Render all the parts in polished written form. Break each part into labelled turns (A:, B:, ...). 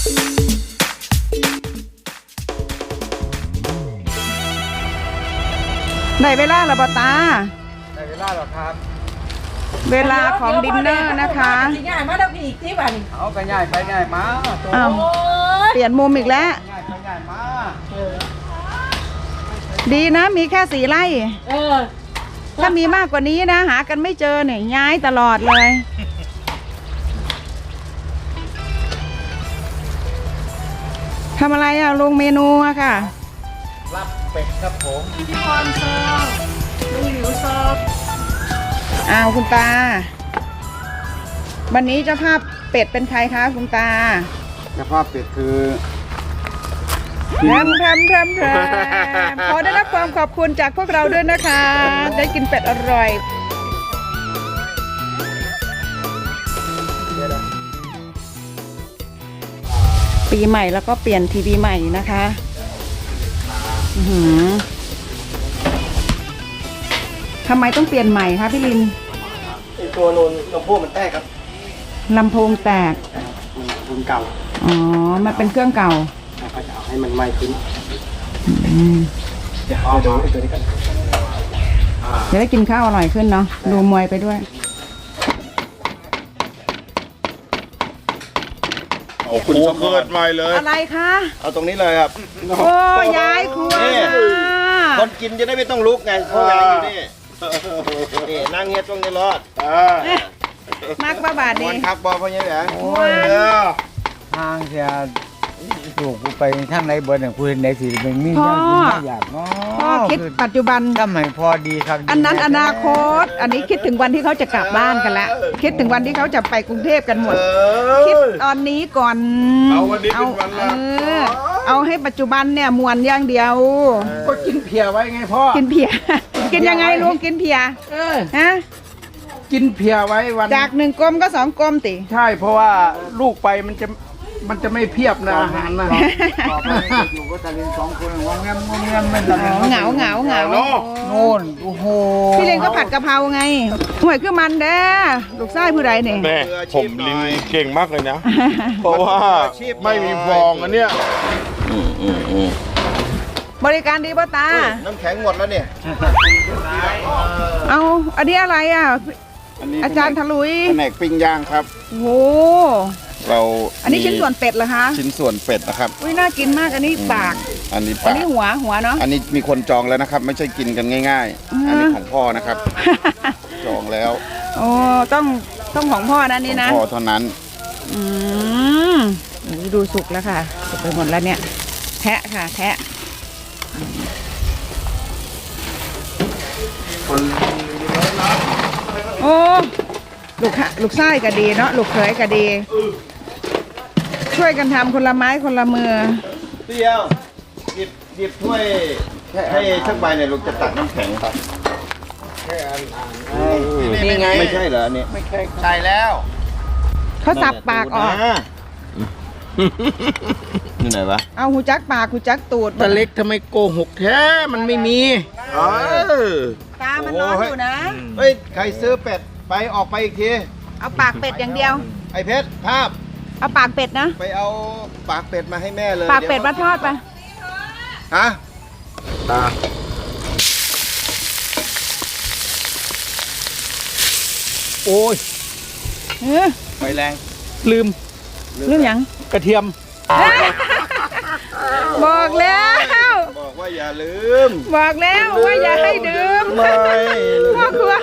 A: ได้เวลาแล้วบ่ตา
B: ได้เวลาหรอครับ
A: เวลาของดินเนอร์นะคะ
C: ง่ายมาแล้วพี่อีกที่บ้าน
B: เอาไปง่ายไปง่ายมา
A: อ้าวเปลี่ยนมุมอีกแล้ว
B: ง่ายไปง่ายมา
A: ดีนะมีแค่4 ไร่ถ้ามีมากกว่านี้นะหากันไม่เจอเนี่ยย้ายตลอดเลยทำอะไรอ่ะลงเมนูอะค่ะ
B: รับเป็ดครับผม
C: พี่พรซองลุงหลิวซอง
A: อ้าวคุณตาวันนี้เจ้าภาพเป็ดเป็นใครคะคุณตา
B: เจ้าภาพเป็ดคือ
A: แพรมขอได้รับความขอบคุณจากพวกเราด้วยนะคะได้กินเป็ดอร่อยปีใหม่แล้วก็เปลี่ยนทีวีใหม่นะคะทำไมต้องเปลี่ยนใหม่คะพี่ลิน
B: ตัวลำโพงมันแตกครับ
A: ลำโพงแตก
B: รุ่นเก่า
A: อ๋อมันเป็นเครื่องเก่า
B: เขาจะเอาให้มันใหม่ขึ้นเดี๋ยวเอาดูตัวนี้กัน
A: จะได้กินข้าวอร่อยขึ้นเนาะดูมวยไปด้วย
D: โอ้คุณเกิดใหม่เลย
A: อะไรคะ
D: เอาตรงนี้เลยครับ
A: โอ้ย้ายครัว
D: คนกินจะได้ไม่ต้องลุกไงเพราะแรงอยู่นี่นี่นั่งเงียบตรงนี้รอด
A: นักบ้าบาดนี่
D: คักบอลเพราะยังไง
B: ทางเสียถูกกูไปทางไหนเบอร์หนึ่งกูเห็นไหนสิเป็นมีเรื่องกินไม่อยากเนาะ
A: พ่อคิดปัจจุบัน
B: ก็ไม่พอดีครับ
A: อันนั้นอนาคตอันนี้คิดถึงวันที่เขาจะกลับบ้านกันแล้วคิดถึงวันที่เขาจะไปกรุงเทพกันหมดคิดตอนนี้ก่อน
D: เอาวันนี้เป็นวันละ
A: เอาให้ปัจจุบันเนี่ยมวนอย่างเดียว
B: ก็กินเพียไว้ไงพ่อ
A: กินเพียกินยังไงลุงกินเพียฮะ
B: กินเพียไว้วัน
A: จาก1 กลมก็2 กลมติ
B: ใช่เพราะว่าลูกไปมันจะไม่เพียบนะอาหารนะอยู่ก็แต่เรียน2 คนงงแงมไม่ทำ
A: เหงา
B: โน่นโอ้โห
A: พี่เรียนก็ผัดกะเพราไงห่วยคือมันเด้อลูกไส้ผู้ใดเนี่ย
D: แม่ผมลินเก่งมากเลยนะเพราะว่าไม่มีฟองอันเนี้ย
A: บริการดีป่ะตา
D: น้ำแข็งหมดแล้วเนี่ย
A: เอาอันนี้อะไรอ่ะอาจารย์ทะลุย
D: แผนกปิ้งย่างครับ
A: โอ้
D: เรา
A: อันนี้ชิ้นส่วนเป็ดเหรอคะ
D: ชิ้นส่วนเป็ดนะครับ
A: อุ้ยน่ากินมากอันนี้ปาก
D: อันนี้
A: หัวเนาะ
D: อันนี้มีคนจองแล้วนะครับไม่ใช่กินกันง่ายๆอันนี้ของพ่อนะครับจองแล้ว
A: โอ้ต้องของพ่อนะนี่นะ
D: พ่อเท่านั้น
A: ดูสุกแล้วค่ะสุกไปหมดแล้วเนี่ยแทะค่ะแทะโอ้ลูกไส้ก็ดีเนาะลูกเขยก็ดีช่วยกันทำคนละไม้คนละมือ
D: เตี้ยวหยิบถ้วยให้ชักใบเนี่ยลูกจะตักน้ำแข็งครับ
A: นี่ไง
D: ไม่ใช่เหรอเนี่ย
B: ไม่ใช่แล้ว
A: เขาสับปากออก
D: นี่ไหนวะ
A: เอาหูจักปากหูจักตูด
B: ตะเล็กทำไมโกหกแท้มันไม่มี
A: ตามันนอนอยู่นะ
D: เฮ้ยใครซื้อเป็ดไปออกไปอีกที
A: เอาปากเป็ดอย่างเดียว
D: ไอ้เพชรภาพ
A: เอาปากเป็ดนะ
D: ไปเอาปากเป็ดมาให้แม่เลย
A: ปากเป็ดมาทอดไป
D: ฮะตา
B: โอ้ย
D: ไฟแรง
A: ลืมยัง
B: กระเทียม
A: บอกแล้ว
D: บอกว่าอย่าลืม
A: บอกแล้วว่าอย่าให้ดื่มพ่อครัว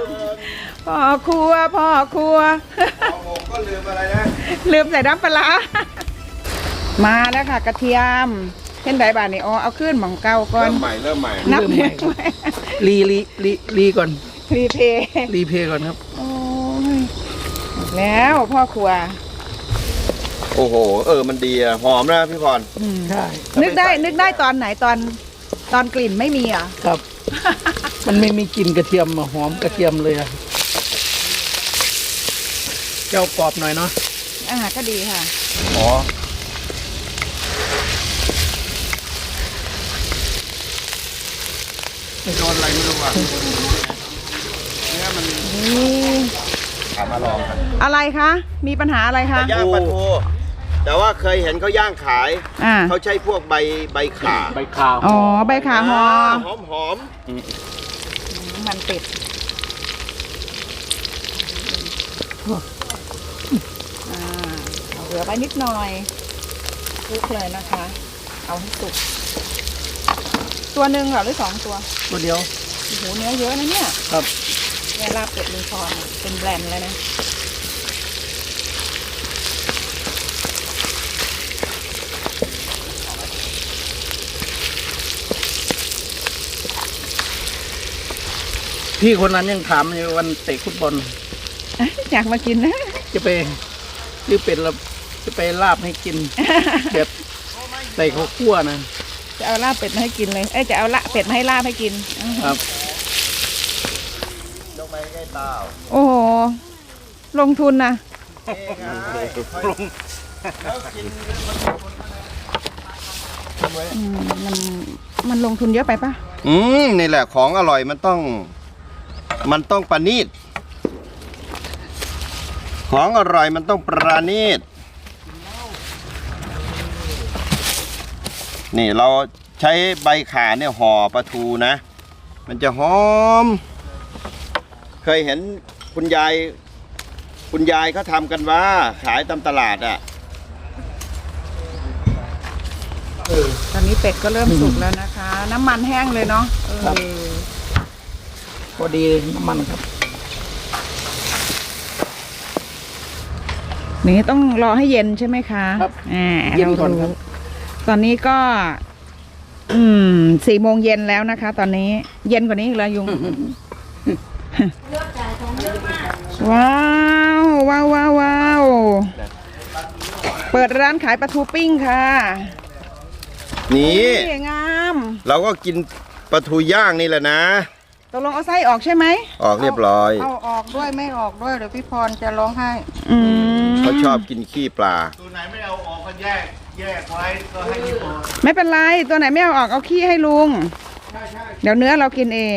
D: ก็ลืมอะไรนะ
A: ลืมใส่น้ำปลามาแล้วค่ะกระเทียมเห็นไดบาทนี่เอาขึ้นหม่องเก่าก่อน
D: เริ่มใหม่
A: นับใหม่
B: รีก่อน
A: รีเพย์
B: ก่อนครับ
A: โอ้ยแล้วพ่อครัว
D: โอ้โหมันดีอะหอมนะพี่พร
A: ใช่นึกได้ตอนไหนตอนกลิ่นไม่มีอ่ะ
B: ครับมันไม่มีกลิ่นกระเทียมหอมกระเทียมเลยอะเจ้ากรอบหน่อยเนาะ
A: ก็ดีค่ะ
D: อ๋อ
B: ไม่โดนอะไรไม่รู้อ่ะ
D: เนี่ยมันมาลองกัน
A: อะไรคะมีปัญหาอะไรคะ
D: ย่างปลาทูแต่ว่าเคยเห็นเขาย่างขาย เขาใช้พวกใบข่า
B: ใบขาว
A: อ๋อใบขาหอ
D: หอม
A: มันเป็ดเอาเหลือไปนิดหน่อยคลุกเลยนะคะ เอาให้สุกตัวหนึ่งเหรอหรือ2 ตัว
B: ตัวเดียว
A: โอ้โหเนื้อเยอะนะเนี่ย
B: ครับ
A: เนี่ยลาบเป็ดลุงพรเป็นแบรนด์แล้วนะ
B: พี่คนนั้นยังถามอยู่วันเตะฟุตบอล
A: อยากมากินนะ
B: จะไปซื้อเป็ดแล้วจะไปลาบให้กิน แบบใส่ข้าวคั่วนะ
A: จะเอาลาบเป็ดมาให้กินเลย จะเอาละเป็ดมาให้ลาบให้กิน
B: ครับ
D: ยกไปใกล้เตา
A: โอ้โห ลงทุนนะ
B: ลง
A: มันลงทุนเยอะไปปะ
D: นี่แหละของอร่อยมันต้องประณีตของอร่อยมันต้องประณีตนี่เราใช้ใบข่าเนี่ยห่อปลาทูนะ มันจะหอม เคยเห็นคุณยายเขาทำกันว่าขายตามตลาดอ่ะ
A: ตอนนี้เป็ดก็เริ่มสุกแล้วนะคะ น้ำมันแห้งเลยเนาะ
B: พอดีน้ำมันครับ
A: นี่ต้องรอให้เย็นใช่ไหมคะ
B: ครับ
A: เย็นก่อนครับ ตอนนี้ก็4 โมงเย็นแล้วนะคะ ตอนนี้เย็นกว่านี้อีกแล้วยุง ว้าวว้าวว้าวว้าวเปิดร้านขายปลาทูปิ้งค่ะ
D: นี่
A: งาม
D: เราก็กินปลาทูย่างนี่แหละนะ
A: ตกลงเอาไส้ออกใช่ไหม
D: ออกเรียบร้อย
C: เอาออกด้วยไม่ออกด้วยเดี๋ยวพี่พรจะร้องไห้
D: เขาชอบกินขี้ปลา
B: ตัวไหนไม่เอาออกก็แยกไว้ก็ให้พี่พอ
A: ไม่เป็นไรตัวไหนไม่เอาออกเอาขี้ให้ลุง เดี๋ยวเนื้อเรากินเอง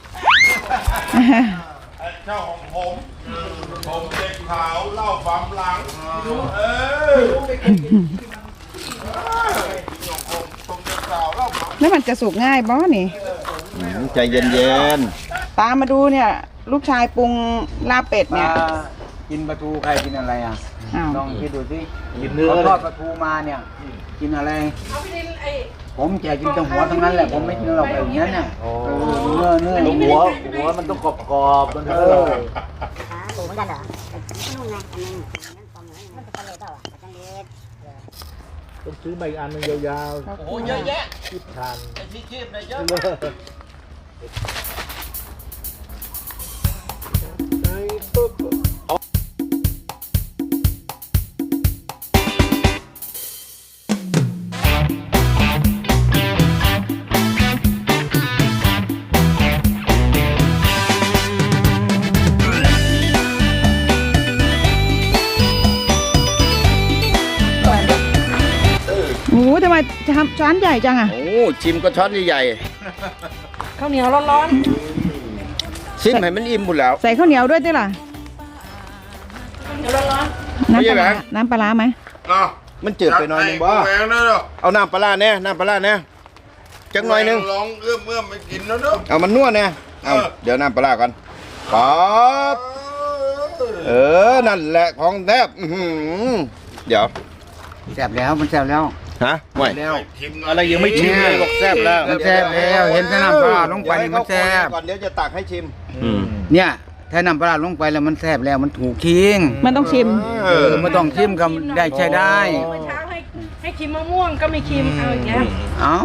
E: เจ้าของผมเด็กขาวเล่าความหลังผมเด็กขาวเล่าความ
A: แล้วมันจะสุกง่ายบอนี่
D: ใจเย็น
A: ตามมาดูเนี่ย ลูกชายปรุงลาบเป็ดเนี่ย
F: กินปลาทูใครกินอะไรอ่ะ
A: อ้าว
F: ลองคิดดูสิ
B: กินเนื้อ
F: เขา
B: เล
F: ทอย ดปลาทูมาเนี่ย กินอะไร ผมแจกกินแต่หัวทั้งนั้นแหละ ผมไม่กินหรอกแบบนี้เนี่ยเนื้อ
B: หัวมันต้องกรอบๆมันเออ ต้องซื้อใบอันนึงยาวๆ
D: ๆโอ้เยอะแยะ
B: คิดทาน
D: ไอ้ที่คีบเนี่ยเยอะ
A: โอ้โหทำไมทำช้อนใหญ่จังอ่ะ
D: โอ้ชิมก็ช้อนใหญ่
C: ข้าวเหนียวร้อน
D: ๆชิมให้มันอิ่มหมดแล้ว
A: ใส่ข้าวเหนียวด้วยได้ล่ะ
C: ๆเดี๋ยวร้อน
A: น้ำปลา
D: ไม่ใช่แบ
A: ร้าง น้ำปลาร้าไหม
E: เนาะ
D: มันจืดไปหน่อยนึงบ่
E: แหวงเนาะ
D: เอาน้ำปลาร้าแน่น้ำปลาร้าแน่จังหน่อยนึง
E: ลองเอื้อมไม่กินแล้วเนาะ
D: เอามันนวดแน่เอาเดี๋ยวน้ำปลาร้าก่อนป๊อดนั่นแหละของแทบเดี๋ยว
F: แซ่บแล้วมันแซ่บแล้ว
D: ฮะห่วย
F: แล้ว
B: อะไรยังไม่ชิมเลยบอกแซ่บแล้ว
F: มันแซ่บแล้วเห็นแต่น้ำปลาลงไปนี่มันแซ่บ
D: ก่อนเดี๋ยวจะตักให้ชิม
F: เนี่ยถ้าน้ำปลาลงไปแล้วมันแซ่บแล้วมันถูกคิง
A: มันต้องชิม
F: ไม่ต้องชิมก็ได้ใช้ได้
C: เมื่อเช้าให้ชิมมะม่วงก็ไม่ชิมเอาอย่างเงี้ย
F: เอ้า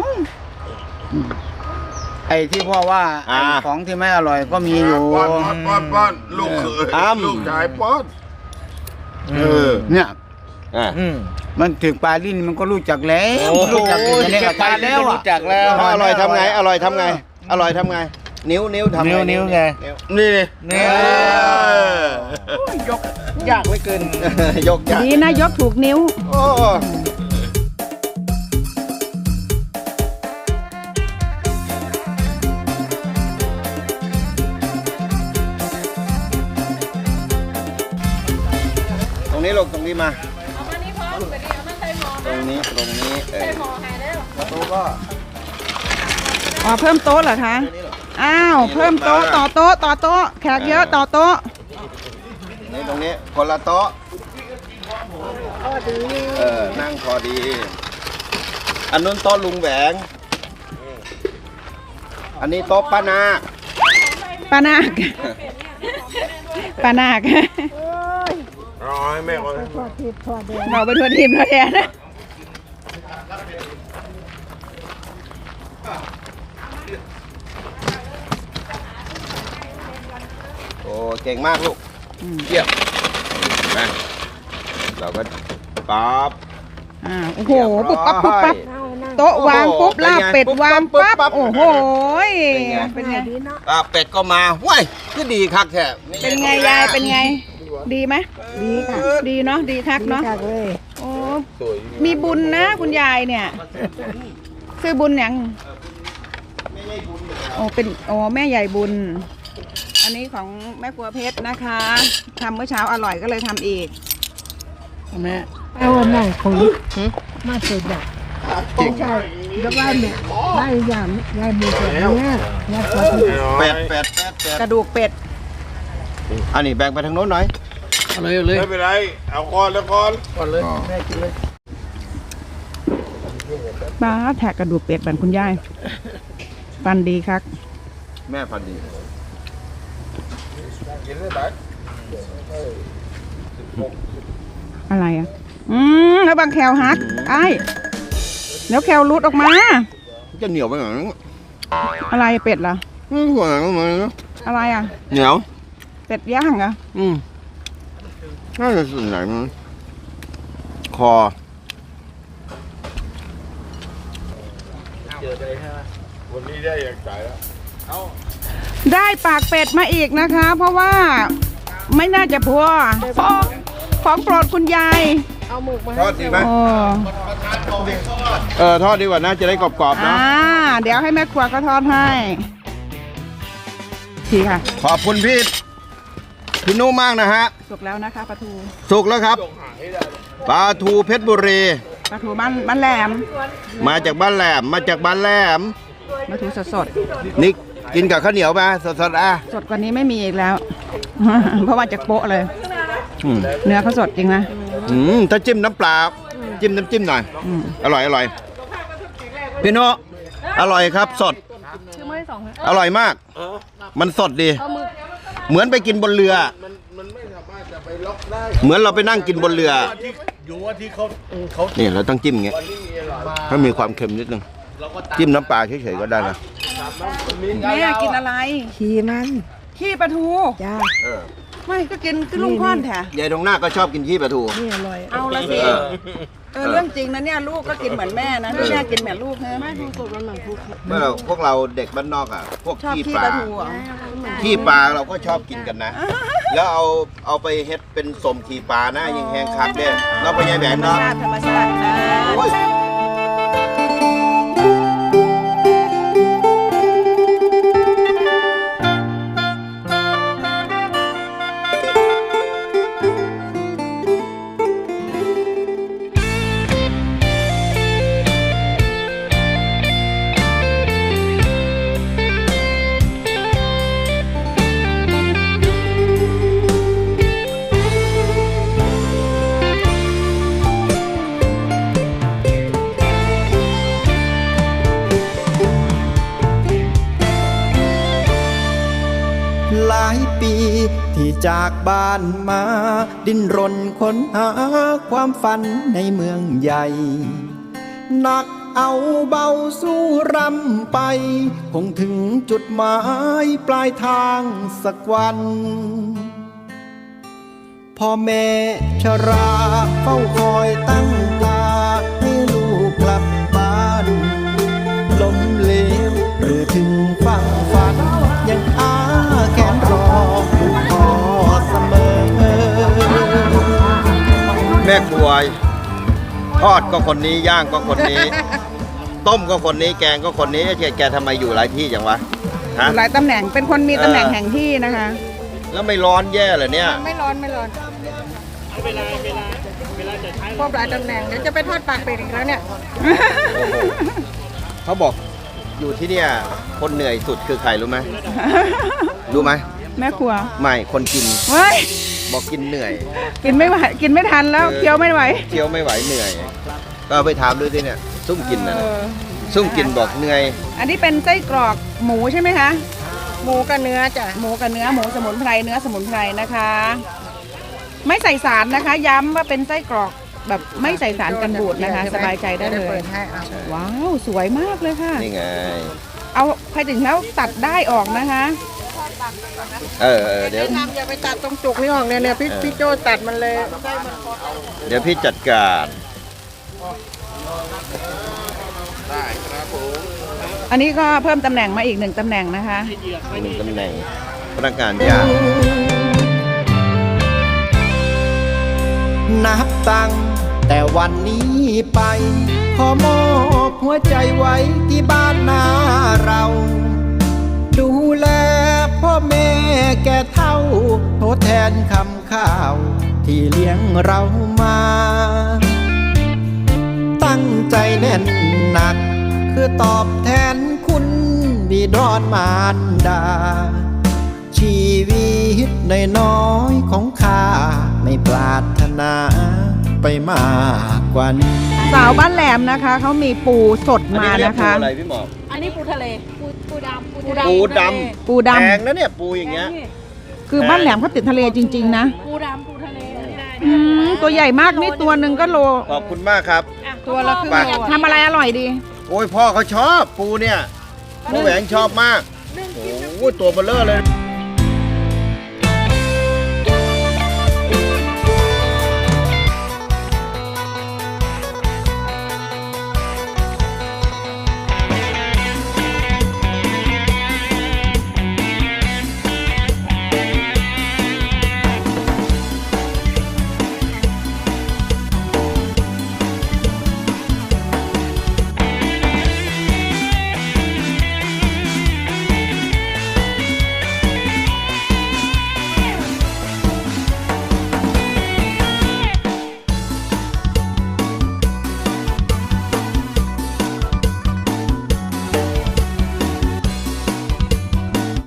F: ไอ้ที่พ่อว่าไอ้ของที่ไม่อร่อยก็มีอยู่
E: ป้อนลูกเขยลูกชายป้อน
F: เนี่ย
D: อ่า
F: มันถึงปลาลิ้นมันก็รู้จักแล้วรู้จักอยู่ในกระทะแล้ว
B: รู้จักแล้ว
D: อร่อยทำไง อร่อยทำไง อร่อยทำไง นิ้วทำไง
B: นิ้วไง
D: นี่ดิ
B: นี่
D: ยกยากเหลือเกิน ยกยาก
A: ดีนะยกถูกนิ้ว
D: โอ้ตรงนี้ลูกตรงนี้มา
C: เอามานี่พร้อมไปดิเอามา
D: นี้ประตูก็
A: อ๋อเพิ่มโต๊ะเหรอคะ อ้าว เพิ่มโต๊ะต่อโต๊ะต่อโต๊ะแขกเยอะต่อโต๊ะ
D: นี่ตรงนี้คนละโต๊ะนั่งพอดี อันนู้นโต๊ะลุงแหวง อันนี้โต๊ะป้านาค
A: ป้านาคป้านาค
E: ร้อยแม่คน
A: เราไปทัวร์ทีมทัวร์แทน
D: โอ้เก่งมากลูกเยี่ยมนะเราก็ปั๊บ
A: โอ้โหปุ๊บปั๊บปุ๊บปั๊บโต๊ะวางปุ๊บลาบเป็ดวางปั๊บโอ้โหเป็นไง
D: เป็ดก็มาว้ยก็ดีคักแท้
A: เป็นไงยายเป็นไง ดีไหมดีค่ะดีเนาะดีคักเนาะโอ้มีบุญนะคุณยายเนี่ยชื่อบุญหยังโอ้เป็นแม่ใหญ่บุญ อันนี้ของแม่ครัวเพชรนะคะทำเมื่อเช้าอร่อยก็เลยทำอีกแม่
C: เอาวันไหนของมาเสร็จอ่ะใช่แล้วบ้านเนี่ยได้อย่างยายมีแบบนี้ยายขอ
D: เป็ด
A: กระดูกเป็ด
D: อันนี้แบ่งไปทางโน้นหน่อย
B: เอาเลยเอาเลย
E: ไม่เป็นไร เอาก่อนแล้วก่อน
B: ก่อนเลยแม่กินเลย
A: ป้าแทกกระดูกเป็ดบันคุณยายฟันดีครับ
D: แม่พันดี
A: อะไรอ่ะแล้วบางแคลฮักไอ้แล้วแคลรุดออกมา
D: จะเหนียวไปหน่อย
A: อะไรเป็ดเหรอ
D: หัวหนังมัน
A: อะไรอ่ะ
D: เหนียว
A: เป็ดย่างเหรอ
D: น่าจะส่วนไหนมันคอ
E: วันนี้ได้อย่างใจแล้ว
A: ได้ปากเป็ดมาอีกนะคะ เพราะว่าไม่น่าจะพอของโปรดคุณยาย
D: ทอดดีไหม
A: โอ้
D: ทอดดีกว่านะจะได้กรอบๆนะ
A: เดี๋ยวให้แม่ครัวก็ทอดให้ทีค่ะ
D: ขอบคุณพี่นุ่มมากนะฮะ
A: สุกแล้วนะคะปลาทู
D: สุกแล้วครับปลาทูเพชรบุรี
A: ปลาทูบ้านแหลม
D: มาจากบ้านแหลม
A: ปลาทูสด
D: นี่กินกับข้าวเหนียวมาสดๆ
A: สดกว่านี้ไม่มีอีกแล้ว เพราะว่าจากโป๊ะเลย เนื้อเขาสดจริงนะ
D: ถ้าจิ้มน้ำปลาจิ้มน้ำจิ้มหน่อยอร่อยพี่โนอร่อยครับสดอร่อยมาก มันสดดี เหมือนไปกินบนเรือเหมือนเราไปนั่งกินบนเรือ
E: อยู่ว่าที่เขา
D: นี่เราต้องจิ้มอย่างเงี้ยถ้ามีความเค็มนิดนึงจิ้มน้ำปลาเฉยๆก็ได้นะ
A: แม่กินอะไร
C: ขี่มัน
A: ขี้ปลาทู
C: จ้า
A: ไม่ก็กินคือลุงพ่อนแท้
D: ยายตรงหน้าก็ชอบกินขี้ปลาทู
C: นี่อร่อย
A: เอาละสิเรื่องจริงนะเนี่ยลูกก็กินเหมือนแม่นะแม่กินเหมือนลูกนะไม่ดูสดมันเหมือนลูก
D: เมื่อพวกเราเด็กบ้านนอกอ่ะพวก
A: ชอบ
D: ขี้
A: ขี้
D: ป
A: ป
D: ลา
A: ลาทูอ่ะ
D: ขี้ปลาเราก็ชอบกินกันนะ แล้วเอาไปเฮ็ดเป็นสมขี้ปลานะยิงแหงคักเนี่ยเราไปยายแหวนเนาะ
A: ธรรมชาตินะ
D: โอ้ย
G: หลายปีที่จากบ้านมาดิ้นรนค้นหาความฝันในเมืองใหญ่หนักเอาเบาสู้รำไปคงถึงจุดหมายปลายทางสักวันพ่อแม่ชราเฝ้าคอยตั้งตาให้ลูกกลับบ้านล้มเหลวหรือถึงฝั่งฝันยังอาแขนรอผู้พ่อเสมอ
D: แม่ครัวทอดก็คนนี้ย่างก็คนนี้ ต้มก็คนนี้แกงก็คนนี้แกทำไมอยู่หลายที่จังวะฮะ
A: หลายตำแหน่งเป็นคนมีตำแหน่งแห่งที่นะคะ
D: แล้วไม่ร้อนแย่เหรอเนี่ย
A: ไม่ร้อน
C: ครบหลายตำแหน่งเดี๋ยวจะไปทอดปากเป็ดอีกแล้วเนี่ย
D: โอ้โหเขาบอกอยู่ที่เนี่ยคนเหนื่อยสุดคือใครรู้ไหมรู้ไหม
A: แม่ครัว
D: ไม่คนกิน
A: เฮ้ย
D: บอกกินเหนื่อย
A: กินไม่ไหวกินไม่ทันแล้วเคี้ยวไม่ไหว
D: เคี้ยวไม่ไหวเหนื่อย ก็เอาไปถามดูสิเนี่ยซุ่มกินนะ
A: เออ
D: ซุ่มกินบอกเหนื่อย
A: อันนี้เป็นไส้กรอกหมูใช่ไหมคะ
C: หมูกับเนื้อจ้ะ
A: หมูกับเนื้อหมูสมุนไพรเนื้อสมุนไพรนะคะ ไม่ใส่สารนะคะ ย้ำว่าเป็นไส้กรอกแบบไม่ใส่สารกันบูดนะคะ สบายใจได้เล
C: เปิ
A: ย
C: ดให้เอา
A: ว้าวสวยมากเลยค่ะ
D: นี่ไง
A: เอาใครถึงแล้วตัดได้ออกนะคะ
D: เดี๋ยว
C: ทำอย่าไปตัดตรงจุกนี่ออกเนี่ยพี่โจตัดมันเลย
D: เดี๋ยวพี่จัดการ
A: อันนี้ก็เพิ่มตำแหน่งมาอีก1ตำแหน่งนะคะ
D: หนึ่งตำแหน่งพนักงานย่าง
G: นับตั้งแต่วันนี้ไป ขอมอบหัวใจไว้ที่บ้านนาเรา ดูแลพ่อแม่แก่เท่าทดแทนคำข้าวที่เลี้ยงเรามา ตั้งใจแน่นหนักคือตอบแทนคุณบิดรมารดา ชีวิตน้อยๆของข้าไม่ปรารถนาไปมากกว่านี้
A: สาวบ้านแหลมนะคะเขามีปูสดมา
D: อัเรียก
A: นะคะ
D: ปูอะไรพี่หมอก
C: อันนี้ปูทะเลปูดำ
D: ปูด
A: ปูด
D: ำแพงนะเนี่ยปูอย่างเงี้ย
A: ำคือบ้านแหลมเขาติดทะเลจริงๆนะ
C: ปูดำปูทะเล
A: ตัวใหญ่มากนี่ตัวหนึ่งก็โล
D: ขอบคุณมากครับ
A: ตัวละครึ่งโลทำอะไรอร่อยดี
D: โอ้ยพ่อเขาชอบปูเนี่ยพ่อแหวงชอบมาก โอ้โหตัวเบลเลอร์เลย